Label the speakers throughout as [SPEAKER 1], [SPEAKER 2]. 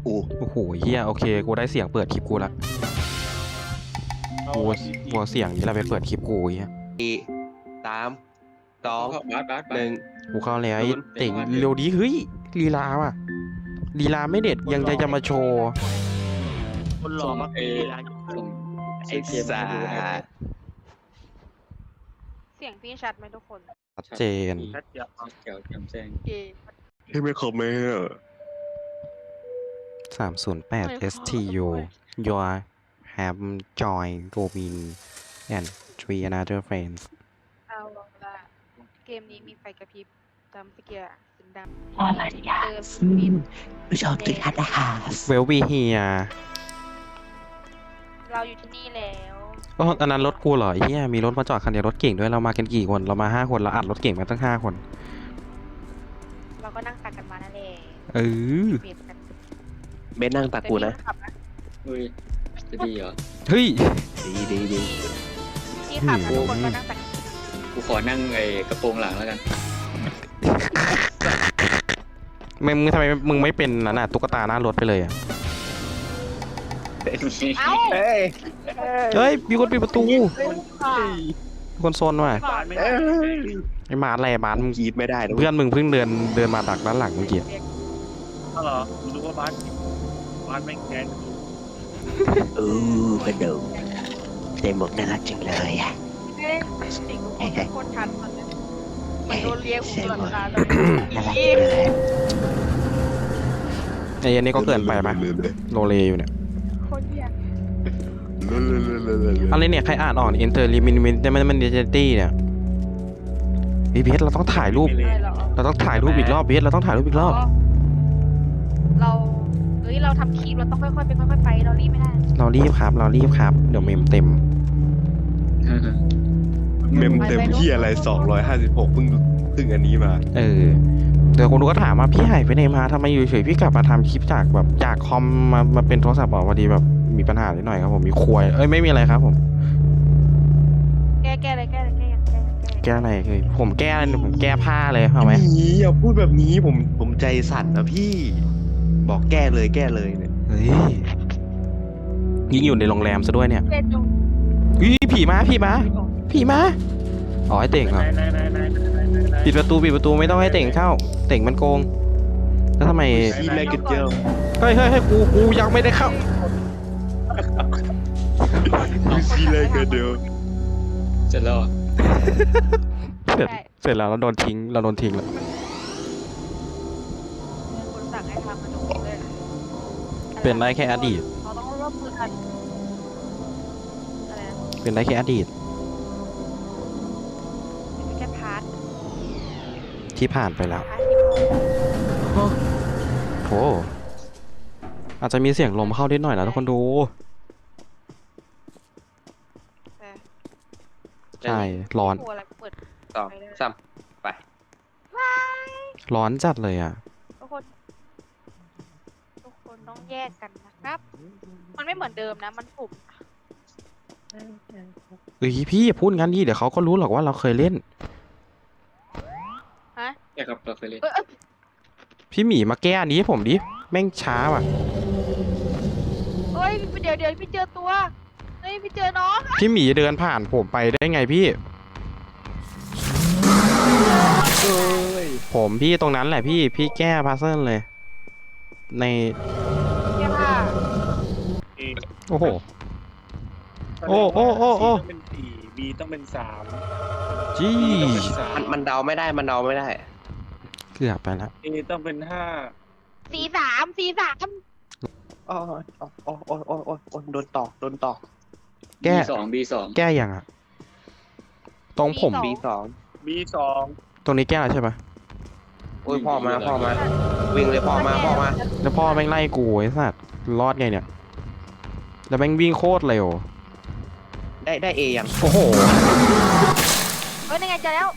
[SPEAKER 1] โอ้โหเฮียโอเคกูได้เสียงเปิดคลิปกูละกูเสียงนี้แหละไปเปิดคลิปกูเฮีย
[SPEAKER 2] 3 2 1
[SPEAKER 1] กูเข้าแล้วไอ้เต่งเร็วดีเฮ้ยลีลาว่ะลีลาไม่เด็ดยังจะมาโชว์
[SPEAKER 3] คนหล่อมากเลยร้าน
[SPEAKER 2] ไอ้สัส
[SPEAKER 4] เสียงพี่ชัดไหมทุกคน
[SPEAKER 1] ชัดเจน
[SPEAKER 3] ชัดเจนแจ๋วแจ่มแจ้ง
[SPEAKER 4] เกม
[SPEAKER 2] ให้ไม่คอมเมนต์
[SPEAKER 1] 308 STU your have joined Robin and three another friends
[SPEAKER 4] เอาละเกมนี้มีไฟกระพริบตามสเกียร์สีดำ
[SPEAKER 5] อะไรอ่ะ
[SPEAKER 4] เติมมิน
[SPEAKER 5] ผู้ชมทุกท่านนะคะ
[SPEAKER 1] Well we here
[SPEAKER 4] เราอยู่ที่นี่แล้ว
[SPEAKER 1] อ๋ออันนั้นรถกูเหรอไอ้เหี้ยมีรถมาจอดคันเดียวรถเก่งด้วยเรามากันกี่คนเรามา5 คนเราอัดรถเก่งมาตั้ง5 คน
[SPEAKER 4] เราก็นั่งตักกันมานั่นแหละ
[SPEAKER 1] เออ
[SPEAKER 4] เปลี่ยนกัน
[SPEAKER 2] เบนนั่งตักกูนะ
[SPEAKER 4] ขับนะ
[SPEAKER 3] เฮ้ยจะดีเหรอ
[SPEAKER 1] เฮ้ย
[SPEAKER 2] ดี
[SPEAKER 4] ที่ขับนะทุกคนก็นั่งตัก
[SPEAKER 3] กูขอนั่งไอ้กระโปรงหลังแล้วกัน
[SPEAKER 1] มึงทำไมมึงไม่เป็นนั่นน่ะตุ๊กตาหน้ารถไปเลยอ่ะ
[SPEAKER 4] เอ้า
[SPEAKER 2] เฮ้ย
[SPEAKER 1] เฮ้ยมีคนปิดประตู
[SPEAKER 4] ค่ะ
[SPEAKER 1] มีคนโซนว่ะ
[SPEAKER 4] ก่อนไม่
[SPEAKER 1] ไอ้บาสอะไรบาสมึง
[SPEAKER 2] กรีดไม่ได้นะ
[SPEAKER 1] เพื่อนมึงเพิ่งเดินมาดักด้านหลังเมื่อกี้
[SPEAKER 3] อ๋อเหรอกูรู้ว่าบ้านแม่งแค้น
[SPEAKER 5] กระดูกเต็มหมวกน่ารักจังเลยอ่ะ
[SPEAKER 4] เฮ้ยสิ่งทุกคนเป็นคนทันมันเลยมันโดนเลี้ยงหูตลอดเวลาเลย
[SPEAKER 5] น่ารักจังเลย
[SPEAKER 1] ไอ้ยันนี่ก็เกินไปไหมโรเลอยู่เนี่ย
[SPEAKER 4] คนเดียว
[SPEAKER 1] อะไรเนี่ยใครอ่านออก Enter Limited เนี่ยพี่เพชรเราต้องถ่ายรูป
[SPEAKER 4] อะไรเหรอ
[SPEAKER 1] เราต้องถ่ายรูปอีกรอบเพชรเราต้องถ่ายรูปอีกรอบ
[SPEAKER 4] เราเราทำคลิปเราต้องค่อยๆไปค่อยๆไปเรารีบไม่ได้
[SPEAKER 1] เรารีบครับเดี๋ยวเมมเต็ม
[SPEAKER 2] เมมเต็มที่อะไร256เพิ่งอันนี้มา
[SPEAKER 1] เออเดี๋ยวคนดูก็ถามว่าพี่หายไปไหนมาทำไมอยู่เฉยพี่กลับมาทำคลิปจากแบบจากคอมมาเป็นโทรศัพท์พอดีแบบมีปัญหานิดหน่อยครับผมมีควยไม่มีอะไรครับผม
[SPEAKER 4] แก้อะไรยังแก้
[SPEAKER 1] แก้อะไรคือผมแก้ผ้าเลยเอาไหม
[SPEAKER 2] นี้อย่าพูดแบบนี้ผมใจสั่นนะพี่ บอกแก้เลยเนี่ย
[SPEAKER 1] เฮ้ยยิ่งอยู่ในโรงแรมซะด้วยเนี่ย
[SPEAKER 4] เล่นดู
[SPEAKER 1] ผีมาอ๋อให้เต่งเหรอปิดประตูไม่ต้องให้เต่งเข้าเต่งมันโกงแล้วทำไม
[SPEAKER 2] ซีแลกเจอ
[SPEAKER 1] เฮ้ยกูยังไม่ได้เข้า
[SPEAKER 2] ซีแลกเจอ
[SPEAKER 3] เสร็จแล้ว
[SPEAKER 1] เสร็จแล้วเราโดนทิ้งแล้ว
[SPEAKER 4] คนสั่งให้ทำมาดูเลย
[SPEAKER 1] เป็นได้แค่อดีต
[SPEAKER 4] เราต้องร่วมมือกันอะไรนะ
[SPEAKER 1] เป็นได้แค่อดีต
[SPEAKER 4] เป็นแค่พาร์ท
[SPEAKER 1] ที่ผ่านไปแล้ว
[SPEAKER 4] พาร์ทที่พอ
[SPEAKER 1] โอ้อาจจะมีเสียงลมเข้านิดหน่อยนะทุกคนดู
[SPEAKER 4] แต่
[SPEAKER 1] ใช่ร้อน
[SPEAKER 4] กลัวอะไรเปิด
[SPEAKER 2] 2 3ไป
[SPEAKER 1] ร้อนจัดเลยอ่ะ
[SPEAKER 4] ทุกคนต้องแยกกันนะครับ มันไม่เหมือนเดิมนะมันปุ่ม
[SPEAKER 1] พี่อย่าพูดงั้นดิเดี๋ยวเขาก็รู้หรอกว่าเราเคยเล่น
[SPEAKER 3] ใช่ครับเราเคยเล่น
[SPEAKER 1] พี่หมีมาแก้อันนี้ให้ผมดิแม่งช้าว่ะ
[SPEAKER 4] เฮ้ยเดี๋ยวพี่เจอตัวเฮ้ยพี่เจอน้อง
[SPEAKER 1] พี่หมีเดินผ่านผมไปได้ไงพี่ ผมพี่ตรงนั้นแหละพี่แก้พัซเซิลเลย ใน
[SPEAKER 4] แค่ผ้า
[SPEAKER 1] โอ้โห โอ้
[SPEAKER 3] ต้องเป็น4 B ต้องเป็น3
[SPEAKER 1] จี้
[SPEAKER 2] มันเดาไม่ได้
[SPEAKER 1] เกือบไปแล้ว
[SPEAKER 3] A ต้องเป็น5
[SPEAKER 4] สีสาม
[SPEAKER 2] โอ้โดนตอก
[SPEAKER 1] แก้
[SPEAKER 3] B2
[SPEAKER 1] แก้ยังอ่ะ ตรงผม
[SPEAKER 2] B2
[SPEAKER 3] B2
[SPEAKER 1] ตรงนี้แก้แล้วใช่ปะ
[SPEAKER 2] โอ้ยพ่อมาวิ่งเลยพ่อมา
[SPEAKER 1] แล้วพ่อแม่งไล่กูไอ้สัตว์รอดไงเนี่ย แล้วแม่งวิ่งโคตรเร็ว
[SPEAKER 2] ได้ A ยัง
[SPEAKER 1] โอ้โห
[SPEAKER 4] เฮ้ยยังไงเจอแล้ว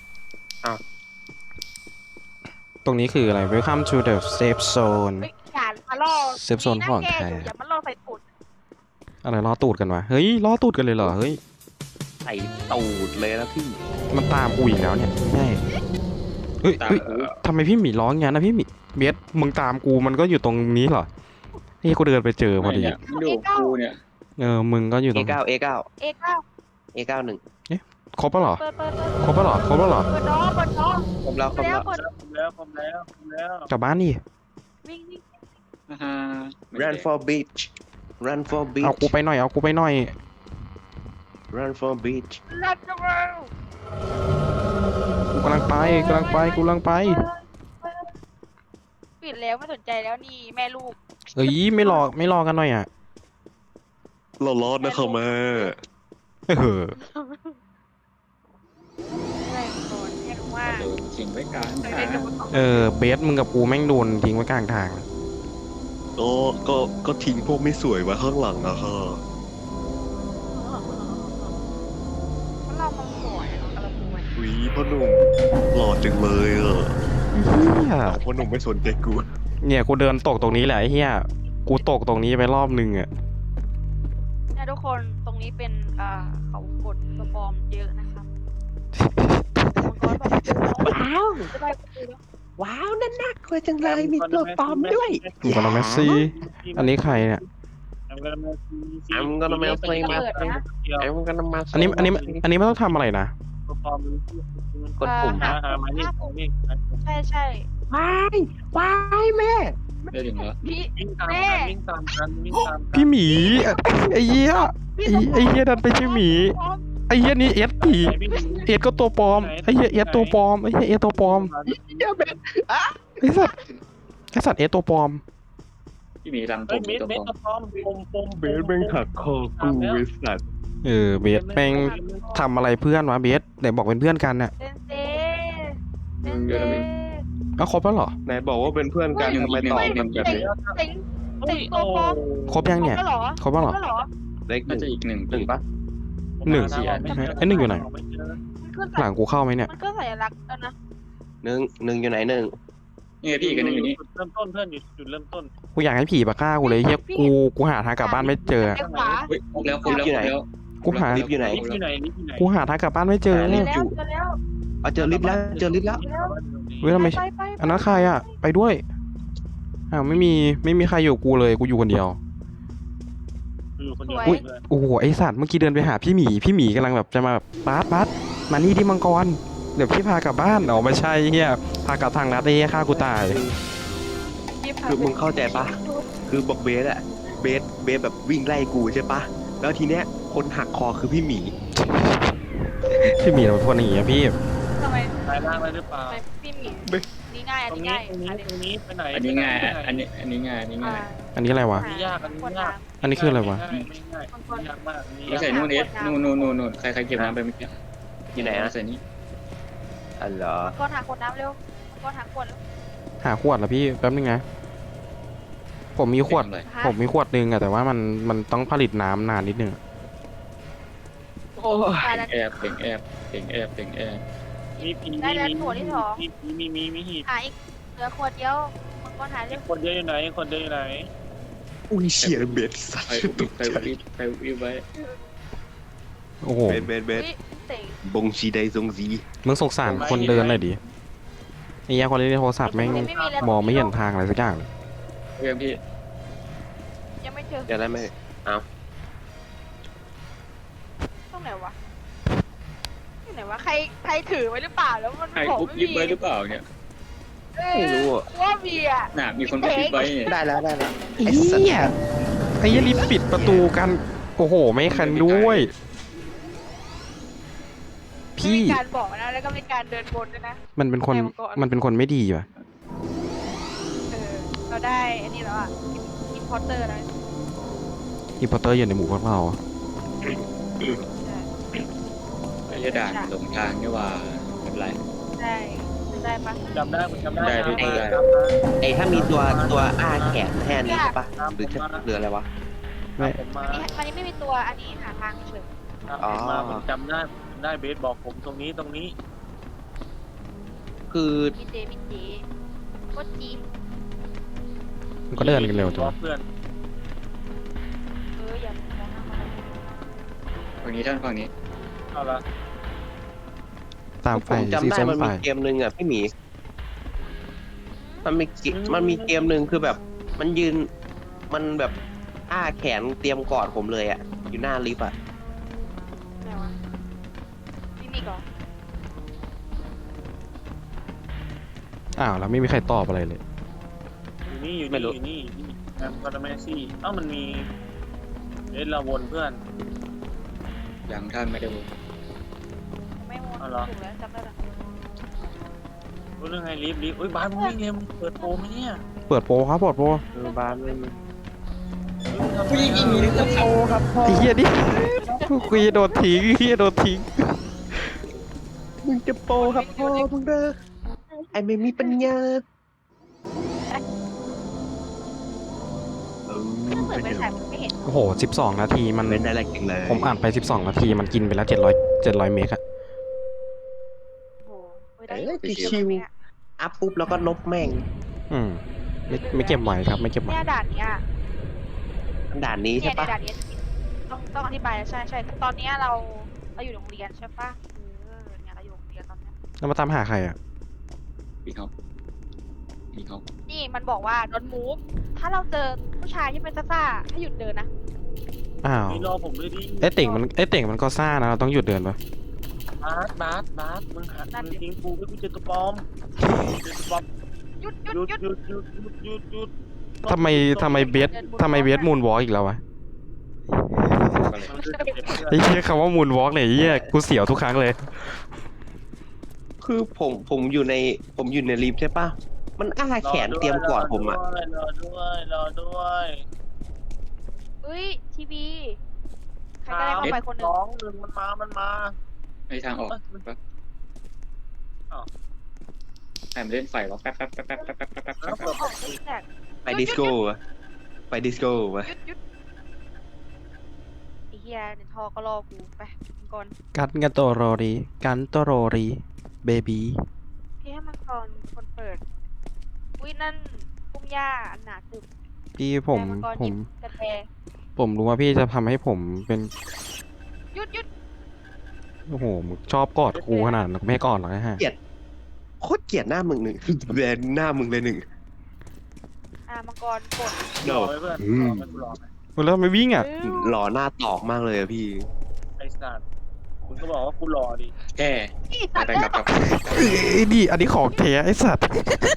[SPEAKER 1] ตรงนี้คืออะไร Welcome to the safe zone
[SPEAKER 4] เฮ้ยอย่ามาล่อ
[SPEAKER 1] เซฟโซนของแท้
[SPEAKER 4] อย่ามาล่อใส่ตุ่น
[SPEAKER 1] อะไรล้อตูดกันวะ เฮ้ยล้อตูดกันเลยเหรอ เฮ้ย
[SPEAKER 2] ใส่ตูดเลยนะพี่
[SPEAKER 1] มันตามกูอีกแล้วเนี่ยใช่เฮ้ย
[SPEAKER 3] ตาม
[SPEAKER 1] เฮ้ยทำไมพี่หมีร้องงั้นนะพี่หมีเบสมึงตามกูมันก็อยู่ตรงนี้เหรอนี่กูเดินไปเจอพอดี
[SPEAKER 6] เนี่ยมันอยู่กับกูเนี่ย
[SPEAKER 1] มึงก็อยู่ตรง
[SPEAKER 2] A9 A9
[SPEAKER 4] A9
[SPEAKER 2] A91
[SPEAKER 1] ครบแล้วเหรอ
[SPEAKER 4] เปิด
[SPEAKER 1] ครบแล้วเหรอ ครบแล้วเหรอ
[SPEAKER 4] เปิดน้องเปิดน้อง
[SPEAKER 2] ผมแล้ว
[SPEAKER 4] เปิดแล้วเปิด
[SPEAKER 3] ผมแล้ว
[SPEAKER 1] กลับบ้านดิ
[SPEAKER 4] วิ่ง
[SPEAKER 6] อ่าฮะ
[SPEAKER 2] Run for beach Run for
[SPEAKER 1] เอา
[SPEAKER 2] beach
[SPEAKER 1] กูไปหน่อย เอากูไปหน่อย
[SPEAKER 2] Run for beach
[SPEAKER 4] รัดจังเลย
[SPEAKER 1] กูกำลังไป
[SPEAKER 4] ปิดแล้วไม่สนใจแล้วนี่แม่ลูก
[SPEAKER 1] เอ้ยไม่รอกันหน่อยอ่ะ
[SPEAKER 2] เราร้อนนะครับแม่
[SPEAKER 1] เออ
[SPEAKER 4] อะไรก่อนเรียกว่า
[SPEAKER 6] โดนทิ้งไว้กลาง
[SPEAKER 4] เคย
[SPEAKER 6] ทา
[SPEAKER 4] เล่น
[SPEAKER 6] ง
[SPEAKER 4] กับมัน
[SPEAKER 1] เบสมึงกับกูแม่งโดนทิ้งไว้กลางทาง
[SPEAKER 2] ก็ทิ้งพวกไม่สวยไว้ข้างหลังอะค่ะ
[SPEAKER 4] เรามันสวยเราสวย
[SPEAKER 2] วีพ่อหนุ่มหล่อจังเลยอ่ะ
[SPEAKER 1] เฮีย
[SPEAKER 2] พ่อหนุ่มไม่สนใจกู
[SPEAKER 1] เนี่ยกูเดินตกตรงนี้แหละไอ้เฮียกูตกตรงนี้ไปรอบนึงอ่ะ
[SPEAKER 4] เนี่ยทุกคนตรงนี้เป็นเขากดตัวปลอมเยอะนะครับมังกรแบบ
[SPEAKER 5] ว้าว
[SPEAKER 4] จะไปดูแล้ว
[SPEAKER 5] ว้าวนั่นน่ากลัวจังเลยมีตัวปลอมด้วย
[SPEAKER 1] อยู่กับน้องเมสซี่ อันนี้ใครเนี่ย
[SPEAKER 2] I'm gonna mail play my
[SPEAKER 4] เปิดนะ
[SPEAKER 2] I'm gonna mail
[SPEAKER 1] อันนี้ไม่ต้องทำอะไรนะ
[SPEAKER 2] กดปุ่ม
[SPEAKER 3] หามานี่นี่
[SPEAKER 4] ใช่
[SPEAKER 5] ว้ายว้ายแม่
[SPEAKER 6] ได้ถึงแล้ว
[SPEAKER 4] พี่
[SPEAKER 3] วิ่งตาม
[SPEAKER 4] แม่
[SPEAKER 3] กันวิ่งตามกัน
[SPEAKER 1] พี่หมีไอ้เหี้ยไอ้เหี้ยดันไปชื่อหมีไอ้เหี้ยนี่เอสผีเอสก็ตัวปลอมไอ้เหี้ยเอสตัวปลอมไอ้เหี้ยเอสตัวปลอม
[SPEAKER 5] อย่าเป็น
[SPEAKER 1] ไอ้สัตว์เอสตัวปลอม
[SPEAKER 6] พี่หมีรังผ
[SPEAKER 3] เฮ้ย
[SPEAKER 6] ม
[SPEAKER 3] เบส
[SPEAKER 6] ตัว
[SPEAKER 3] เบ
[SPEAKER 6] ป
[SPEAKER 3] ส
[SPEAKER 6] ลอม
[SPEAKER 3] ตะพร้อมปม
[SPEAKER 2] เบสแม่งหักคอกูไอ้สัตว์
[SPEAKER 1] เบสแม่งทำอะไรเพื่อนวะเบสไหนบอกเป็นเพื่อนกันน่ะ
[SPEAKER 4] เซนเซเซนเซ
[SPEAKER 1] เอาครบแล้วเหรอ
[SPEAKER 2] ไหนบอกว่าเป็นเพื่อนกันทำไมตอบกันแบบนี้
[SPEAKER 4] เต็งตัวปลอม
[SPEAKER 1] ครบยังเนี่ย
[SPEAKER 4] ก็หรอ
[SPEAKER 1] ครบแล้วเหรอ
[SPEAKER 4] ก็หรอ
[SPEAKER 2] เลขห
[SPEAKER 6] น่า
[SPEAKER 2] นึ่ง
[SPEAKER 6] จะอีกหนึ่ง
[SPEAKER 2] หนึ่งปะ
[SPEAKER 1] ไอ้หนึ่งอยู่ไหน
[SPEAKER 4] มันขึ้น
[SPEAKER 1] หลังกูเข้าไหมเนี่ย
[SPEAKER 4] มันก็สัญลักษณ์แล้วนะ
[SPEAKER 2] หนึ่งอยู่ไหนหนึ่ง
[SPEAKER 6] นี่ไงพี่อีกอันหนึงอยู่นี่
[SPEAKER 3] เริ่มต้นเพื่อนอยู่จุดเริ่มต้น
[SPEAKER 1] กูอยากให้ผีมาฆ่ากูเลยเฮียกูหาทางกลับบ้านไม่เจอ
[SPEAKER 4] เลี้ยวขวา
[SPEAKER 6] เฮ้ยครบแล้วครบแล้วครบแล้ว
[SPEAKER 1] กูหา
[SPEAKER 2] ลิฟต์อยู่ไหน
[SPEAKER 3] ลิฟต์อยู่ไหนลิฟต์อยู่ไหน
[SPEAKER 1] กูหาทางกลับบ้านไม่เจอ
[SPEAKER 4] เจอแล้วเจอแล้ว
[SPEAKER 2] เอาเจอลิฟต์แล้วเจอลิฟต์แล้ว
[SPEAKER 1] เว้ยทำไม
[SPEAKER 4] ไป
[SPEAKER 1] อันนั้นใครอ่ะ ไปด้วยอ้าวไม่มีใครอยู่กูเลยกูอยู่คนเดียว
[SPEAKER 3] อยู่คนเดียว
[SPEAKER 1] อุ้ยโอ้โหไอสัตว์เมื่อกี้เดินไปหาพี่หมีกำลังแบบจะมาแบบบัสมานี่ดิมังกรเดี๋ยวพี่พากลับบ้านเอาไม่ใช่เฮียพากลับทางลัดได้ฆ่ากูตาย
[SPEAKER 2] คือมึงเข้าใจปะคือบอกเบสอะเบสแบบวิ่งไล่กูใช่ปะแล้วทีเนี้ยคนหักคอคือพี่หมี
[SPEAKER 1] พี่หมีเราเป็นคนอย่างเงี้ยพี่
[SPEAKER 4] ทำไม
[SPEAKER 3] สายล่างเลยหรือเปล่า
[SPEAKER 4] พี่หมีนี่ง่าย
[SPEAKER 3] ต
[SPEAKER 4] อั
[SPEAKER 3] ร
[SPEAKER 4] น
[SPEAKER 3] ง
[SPEAKER 4] นี้
[SPEAKER 3] นี้
[SPEAKER 4] ง่าย
[SPEAKER 3] ตรงนี้ไปไหน
[SPEAKER 6] อันนี้ง่ายอันนี้ง่ายอันนี้ง่าย
[SPEAKER 1] อันนี้อะไรวะ
[SPEAKER 3] อันนี้ยากอันนี้ยาก
[SPEAKER 1] อันนี้คืออะไรวะ
[SPEAKER 3] ไม่ง่ายยากมาก
[SPEAKER 6] ไม่ใส่นู่นเอสนู่นใครเก็บน้ำไปเมื่อกี้
[SPEAKER 2] อยู่ไหนอะ
[SPEAKER 6] ใส่นี่
[SPEAKER 2] อ๋อเหรอ
[SPEAKER 4] มังกรหาขวดน้ำเร็วมังกรหาขวด
[SPEAKER 1] หาขวดเหรอพี่แป๊บนึงนะผมมีขวด
[SPEAKER 6] เลย
[SPEAKER 1] ผมมีขวดนึงอะแต่ว่ามันต้องผลิตน้ำนานนิดนึงอะ
[SPEAKER 2] โอ้ย
[SPEAKER 4] ตายแล้ว
[SPEAKER 6] แอบเป่งแอบ
[SPEAKER 3] มีผีมีหีบ
[SPEAKER 4] หาอีกเหลือขวดเดียวมังกรหาเร็ว
[SPEAKER 3] คนเดียวอยู่ไหนคนเดียวอยู่ไหน
[SPEAKER 2] อุ้ยเฉียเบสสัต
[SPEAKER 6] ใคร
[SPEAKER 2] ว์ตก
[SPEAKER 6] ใคร
[SPEAKER 2] ใจ
[SPEAKER 6] วิบไว้
[SPEAKER 1] โอ้โห
[SPEAKER 2] เบส
[SPEAKER 4] เตะ
[SPEAKER 2] บงชีไดซงซี
[SPEAKER 1] มึงสงสารคนเดินหน่อยดิไอ้ยาคนเล่นโทรศัพท์แม่งมองไม่เห็นทางอะไรสักอย่างเลย
[SPEAKER 6] เรื่องพี่
[SPEAKER 4] ยังไม่เจอ
[SPEAKER 2] เดี๋ยวได้ไหม
[SPEAKER 4] ตรงไหนวะที่ไหนวะใครถือไว้หรือเปล่าแล้วมัน
[SPEAKER 6] ใคร
[SPEAKER 4] บอก
[SPEAKER 6] ปุ๊บ
[SPEAKER 4] ไม่
[SPEAKER 6] วิบ
[SPEAKER 4] มี
[SPEAKER 6] ไว้หรือเปล่าเนี่ย
[SPEAKER 2] ไม่รู้อ่ะ
[SPEAKER 4] ว่ามีอ่ะ
[SPEAKER 6] น่ะมีคนปุ๊บวิบไว้เนี่ย
[SPEAKER 2] ได้แล้ว
[SPEAKER 1] ไอ้เหี้ยไอ้เหี้ยรีบปิดประตูกันโอ้โหไม่คันด้วย พี่
[SPEAKER 4] มีการบอกนะแล้วก็มีการเดินบนด้วยนะ
[SPEAKER 1] มันเป็นคนไม่ดีว่ะ
[SPEAKER 4] เราได้อันนี้แล้วอ่ะอินพอร์เตอร์แล้ว
[SPEAKER 1] อินพอร์เตอร์อยู่ในหมู่พวกเรา
[SPEAKER 6] ไอ้ด่านหลงทางนี่ว่าไม่เป็นไร
[SPEAKER 4] ได้ปะ
[SPEAKER 3] จำได้จำได้
[SPEAKER 2] ไอ้ถ้ามีตัวอ้าแขนแทนนี่ใช่ปะหรืออะไรวะ
[SPEAKER 3] ผมมา
[SPEAKER 4] อันนี้ไม่มีตัวอันนี้หาทางเฉย
[SPEAKER 3] มาผมจำได้เบสบอกผมตรงนี้
[SPEAKER 2] คือ
[SPEAKER 4] มีเจก็จี
[SPEAKER 1] มันก็เดินกันเร็วจัง
[SPEAKER 3] เพื่อน
[SPEAKER 4] อย่ามองหน้าเขา
[SPEAKER 6] ฝั่งนี้ท่านฝั่งนี้
[SPEAKER 3] เอาละ
[SPEAKER 1] ตามไป
[SPEAKER 2] ผมจำ
[SPEAKER 1] สี
[SPEAKER 2] ได้
[SPEAKER 1] ส้ม
[SPEAKER 2] มัน
[SPEAKER 1] ไป
[SPEAKER 2] มีเกมหนึ่งอ่ะพี่หมีมันมีเกมหนึ่งคือแบบมันยืนมันแบบอ้าแขนเตรียมกอดผมเลยอ่ะ อยู่หน้าลิฟต์อ่ะ
[SPEAKER 4] ไหนวะนี่นี่ก่อน
[SPEAKER 1] อ้าวแล้วไม่มีใครตอบอะไรเลย
[SPEAKER 3] อยู่นี่อยู่
[SPEAKER 2] ไม่
[SPEAKER 3] นี่
[SPEAKER 2] รู้
[SPEAKER 3] อยู่นี่แอมคอนเมซี่เอ้ามันมีเล่นละวนเพื่อน
[SPEAKER 6] ยังท่านไม่ได้วง
[SPEAKER 4] ไม่โมน
[SPEAKER 3] เอาเหรอ
[SPEAKER 4] ถูกแล้วจำได้แล้ว
[SPEAKER 3] รู้เรื่องไงรีบอุ้ยบ้านมึงวิ่งเองมึงเปิดโปรไหมเนี่ย
[SPEAKER 1] เปิดโปรครับเปิดโปร
[SPEAKER 2] บ้านไม่
[SPEAKER 6] วิ่งหนีแล้วขับ
[SPEAKER 1] ไอ้เหี้ยดิกูจะโดนทิ้งเหี้ยโดนทิ้ง
[SPEAKER 5] มึงจะโปครับพ่อมึงเด้อไอ้ไม่มีปัญญา
[SPEAKER 4] ถ้าเปิดไปฉายมันไม่เห็น
[SPEAKER 1] โอ้โห12 นาทีมัน
[SPEAKER 2] เป็นได้แรงจริงเลย
[SPEAKER 1] ผมอ่านไป12 นาทีมันกินไปแล้ว700 เมกอะ
[SPEAKER 4] โอ้โหไม่ได้
[SPEAKER 5] ชิว
[SPEAKER 2] อัพปุ๊บแล้วก็ลบแม่ง
[SPEAKER 1] อืมไม่เก็บไว้ครับไม่เก็บไว้
[SPEAKER 4] เนี่ยด่านเนี้ย
[SPEAKER 2] ด่านนี้
[SPEAKER 4] เนี่
[SPEAKER 2] ใช่
[SPEAKER 4] ยใน
[SPEAKER 2] ปะ
[SPEAKER 4] ด่านเนี้ยต้องอธิบายใช่ใช่ตอนเนี้ยเราอยู่โรงเรียนใช่ปะเนี่ยเราอยู่โรงเรียนตอนเนี้ย
[SPEAKER 1] แล้วมาตามหาใครอะ
[SPEAKER 6] มีเขามีเขา
[SPEAKER 4] นี่มันบอกว่า don't move ถ้าเราเจอผู้ชายที่เป็นซ่าๆให้หยุดเดินนะ
[SPEAKER 1] อ้าว
[SPEAKER 3] นี่รอผมด้วยดิ
[SPEAKER 1] ไอ้เต่งมันก็ซ่านะเราต้องหยุดเดินปะ
[SPEAKER 3] บาสมึงหักมึงทิ้งกูให้กูเจอตัวปลอมเจอตัวปลอม
[SPEAKER 4] หยุด
[SPEAKER 3] หยุด
[SPEAKER 1] ทำไมเบสมูนวอล์กอีกแล้ววะไอ้เหี้ยคำว่ามูนวอล์กเนี่ยไอ้เหี้ยกูเสียวทุกครั้งเลย
[SPEAKER 2] คือผมอยู่ในลิฟต์ใช่ปะมันอ้าแขนเตรียมกอดผมอ่ะ
[SPEAKER 3] รอด้วย
[SPEAKER 4] เฮ้ยทีวีใครก็ได้เข้าไปคนหนึ่ง
[SPEAKER 3] 2 1มันมา
[SPEAKER 6] ไม่ทางออกแป๊บแอมเล่นไฟวะแป๊บ
[SPEAKER 3] แล้วเปิด
[SPEAKER 4] ออกซิกแซก
[SPEAKER 2] ไปดิสโก้อะไปดิสโก้มา
[SPEAKER 4] หยุดไอ้เหี้ยในท่อก็รอกูไปก่อน
[SPEAKER 1] กันโตโรรีเบบี
[SPEAKER 4] พี่ให้มันก่อนคนเปิดอุ้ยนั่นพุ่มหญ้าอันหนาตึบ
[SPEAKER 1] พี่ผม
[SPEAKER 4] แต่งก่อนหยิบกระแต
[SPEAKER 1] ผมรู้ว่าพี่จะทำให้ผมเป็น
[SPEAKER 4] หยุด
[SPEAKER 1] โอ้โหมึงชอบกอดกูขนาดนั้นไม่ให้กอดหรอกนะฮะ
[SPEAKER 2] โคตรเกลียดหน้ามึงหนึ่งแบนหน้ามึงเลยหนึ่ง
[SPEAKER 4] มังกรกด
[SPEAKER 3] รอไว้เพื่อนรอไป
[SPEAKER 1] แล้วไม่วิ่งอ่ะ
[SPEAKER 2] หล่อหน้าตอกมากเลยอะพี่
[SPEAKER 3] ไอ้สัตว์คุณก็บอกว่ากูรอดิ
[SPEAKER 6] แก้
[SPEAKER 4] นี่
[SPEAKER 6] ไป
[SPEAKER 4] สัตว์
[SPEAKER 6] ไปกลับ
[SPEAKER 1] ไอ้นี่อันนี้ของแท้ไอ้สัตว์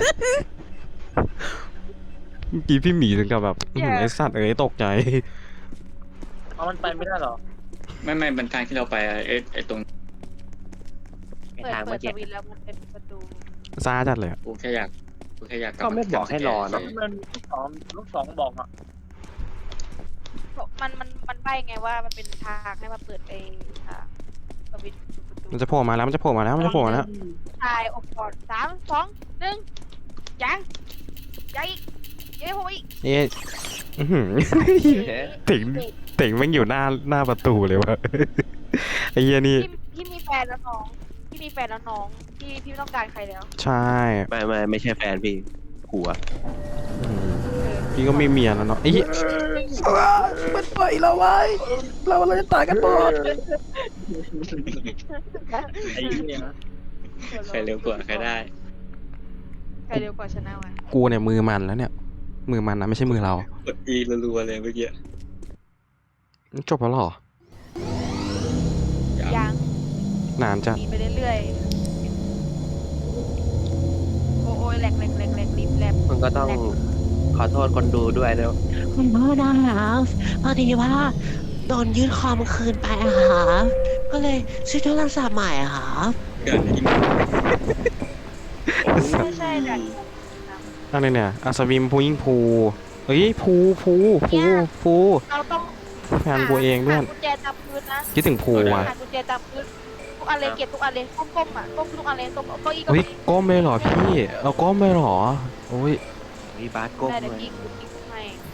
[SPEAKER 1] เมื่อกี้พี่หมีถึงกับแบบไอ้สัตว์ตกใจ
[SPEAKER 3] เอามันไปไม่ได้หรอ
[SPEAKER 6] ไม่มันทางที่เราไปไอ้ตรง
[SPEAKER 2] ใน
[SPEAKER 4] เปิด
[SPEAKER 2] ทาง
[SPEAKER 4] เปิ
[SPEAKER 2] เมื่
[SPEAKER 4] ด
[SPEAKER 2] อ
[SPEAKER 4] ส
[SPEAKER 2] กี้
[SPEAKER 4] วิตช์แล้วมันเป็นประตู
[SPEAKER 1] ซาจัดเลยอะ
[SPEAKER 6] กูแค่อยากกลับ
[SPEAKER 2] ก็ไม่บอกให้รอเนอะ
[SPEAKER 3] มันลูกสองบอกอ่ะ
[SPEAKER 4] มันใบไงว่ามันเป็นทางให้มาเปิดสวิตช์ประตู
[SPEAKER 1] มันจะโผล่มาแล้ว
[SPEAKER 4] ชายอบก่อน3 2 1ยังอีกยังผมอีก
[SPEAKER 1] นี่อื้อหือ เต่งแม่งอยู่หน้าประตูเลยวะไอ้เหี้ยนี่
[SPEAKER 4] พี่มีแฟนแล้วน้องพี่มีแฟนแล้วน้องพี่ไม่ต้องการใครแล้ว
[SPEAKER 1] ใช่
[SPEAKER 2] ไม่ใช่แฟนพี่ผัว
[SPEAKER 1] อืมพี่ก็ไม่เมียแล้วเนาะไอ้เหี้ยมันปล่อยเราไว้เราจะตายกันหมด
[SPEAKER 3] ไอ้เนี่ย
[SPEAKER 6] ใครเร็วกว่าใครได้
[SPEAKER 4] ใครเร็วกว่าชนะวะ
[SPEAKER 1] กูเนี่ยมือมันแล้วเนี่ยมือมันนะไม่ใช่มือเรา
[SPEAKER 6] กด E รัวๆเลยเมื่อกี้
[SPEAKER 1] จบแล้วเหรอ
[SPEAKER 4] ยัง
[SPEAKER 1] นานจัด
[SPEAKER 4] มีไปเรื่อยๆโอ้ยแหลกรีบแหลก
[SPEAKER 2] มันก็ต้องขอโทษคนดูด้วยนะ
[SPEAKER 5] คุณพ่อนะครับพอดีว่าโดนยึดคอมคืนไปอะครับก็เลยซื้อโทรศัพท์ใหม่อะครับ
[SPEAKER 6] เกิดยิง
[SPEAKER 4] ใช่ดัน
[SPEAKER 1] อะไรเนี่ยอัศวินพูยิ่งพูเอ้ยพู
[SPEAKER 4] เราต้อง
[SPEAKER 1] แฟนกูเองเพื่อน
[SPEAKER 4] หากุญแจจับพื้นนะ
[SPEAKER 1] คิดถึงพูว่ะ
[SPEAKER 4] หากุญแจจับพื้นทุกอันเลยเก็บทุกอันเลยก้มๆอ่ะก้มทุกอันเลยก้มเก้าอี้ก็
[SPEAKER 1] เฮ้ย
[SPEAKER 4] มี
[SPEAKER 1] ก้มเลยเหรอพี่เอาก้มเลยเหรอโอ้ย
[SPEAKER 2] มีบาสก้ม
[SPEAKER 4] ได้
[SPEAKER 2] เล
[SPEAKER 4] เดี๋ยวย พี่ให้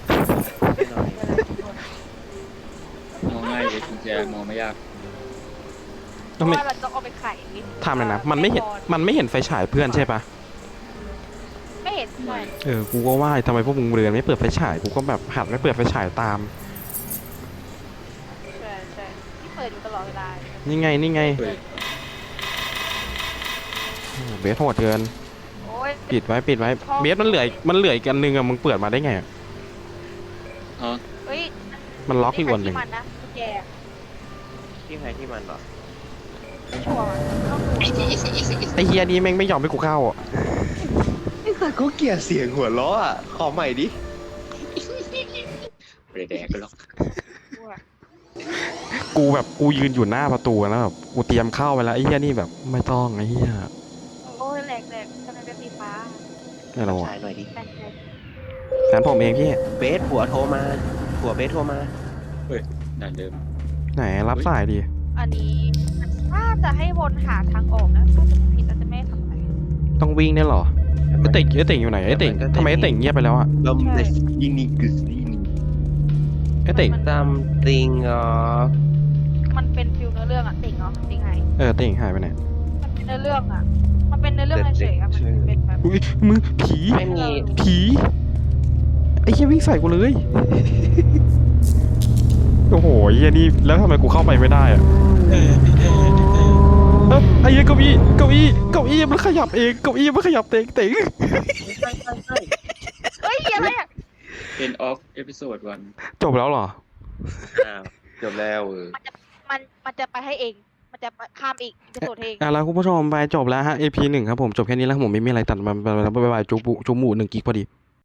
[SPEAKER 6] มองง่ายเลยกุญแจมองไม่ยาก
[SPEAKER 4] เพราะว่าเราต้องเอาไปไข
[SPEAKER 1] ทำเลยนะมันไม่เห็นไฟฉายเพื่อนใช่ปะ
[SPEAKER 4] ไม่เห็นใช่
[SPEAKER 1] กูก็ว่าทำไมพวกมึงเรือนไม่เปิดไฟฉายกูก็แบบหัดไม่เปิดไฟฉายตาม
[SPEAKER 4] ใช่ที่เปิดอยู่ตลอดเวลา
[SPEAKER 1] นี่ไง
[SPEAKER 6] เฮ้ย
[SPEAKER 1] โอ้โหเบสโหดเกิน
[SPEAKER 4] โอ้ย
[SPEAKER 1] ปิดไว้เบสมันเหลืออีกอันนึงอะมึงเปิดมาได้ไงอะ
[SPEAKER 6] อ๋อ
[SPEAKER 4] เฮ้ย
[SPEAKER 1] มันล็อกอยู่วันหนึ่ง
[SPEAKER 4] ใครที่มันนะกุญแจ
[SPEAKER 3] ที่ใครที่มันเหรอ
[SPEAKER 4] ไม่ชัวร์ว่ะต้องดู
[SPEAKER 1] ไอ้เฮียนี้แม่งไม่ยอมให้กูเข้าอ่ะ
[SPEAKER 2] ไอ้สัตว์เขาเกลียดเสียงหัวเราะอ่ะขอใหม่ดิ
[SPEAKER 6] ไม่ได้แดกก็หรอก
[SPEAKER 1] กูแบบกูยืนอยู่หน้าประตูแล้วแบบกูเตรียมเข้าไปแล้วไอ้เฮียนี่แบบไม่ต้องไอ้เฮีย
[SPEAKER 4] โอ้ยแหลกทำไมเป็นสีฟ้า
[SPEAKER 1] นี่เรา
[SPEAKER 2] ชายหน่อยดิ
[SPEAKER 4] แปลก
[SPEAKER 1] แฟนผมเองพี่
[SPEAKER 2] เบสผัวโทรมาผัวเบสโทรมา
[SPEAKER 6] ด่านเดิม
[SPEAKER 1] ไหนรับสายดี
[SPEAKER 4] อันนี้ถ้าจะให้วนหาทางออกนะถ้าจะไม่ผิดเราจะไม่ทำอะไร
[SPEAKER 1] ต้องวิ่งเนี่ยเหรอไอ้เต่งอยู่ไหนไอ้เต่งทำไมไอ้เต่งเงียบไปแล้วอ่ะ
[SPEAKER 2] ลมเดสยินิกสยินิ
[SPEAKER 1] ไอ้เต่ง
[SPEAKER 2] ซัมติงอ๋อ
[SPEAKER 4] มันเป็นฟิลเนื้อเรื่องอะติ่งเนาะติ่งไง
[SPEAKER 1] เต่งหายไปไหน
[SPEAKER 4] มันเป็นเนื้อเรื่องอะมันเป็นเนื้อเรื่องเฉยๆอะมันเป็นแบบ
[SPEAKER 1] อุ้ยมึงผี
[SPEAKER 2] ไม่มี
[SPEAKER 1] ผีไอ้เฮียวิ่งใส่กูเลยโอ้โหเฮียนี่แล้วทำไมกูเข้าไปไม่ได้อ่ะไอ้เฮียเก้าอี้มันขยับเองเก้าอี้มันขยับเองเต่ง
[SPEAKER 3] ใช่ใช่ใช่
[SPEAKER 4] เฮ้ยอะไรอะ
[SPEAKER 6] End of episode 1
[SPEAKER 1] จบแล้วเหรอ
[SPEAKER 2] อ้าวจบแล้ว
[SPEAKER 4] มันจะไปให้เอง มันจะข้ามอีกจะโดดเอง
[SPEAKER 1] แล้วคุณผู้ชมไปจบแล้วฮะ EP 1ครับผมจบแค่นี้แล้วผมไม่มีอะไรตัดมาบายจุกหมู1 กิกพอดี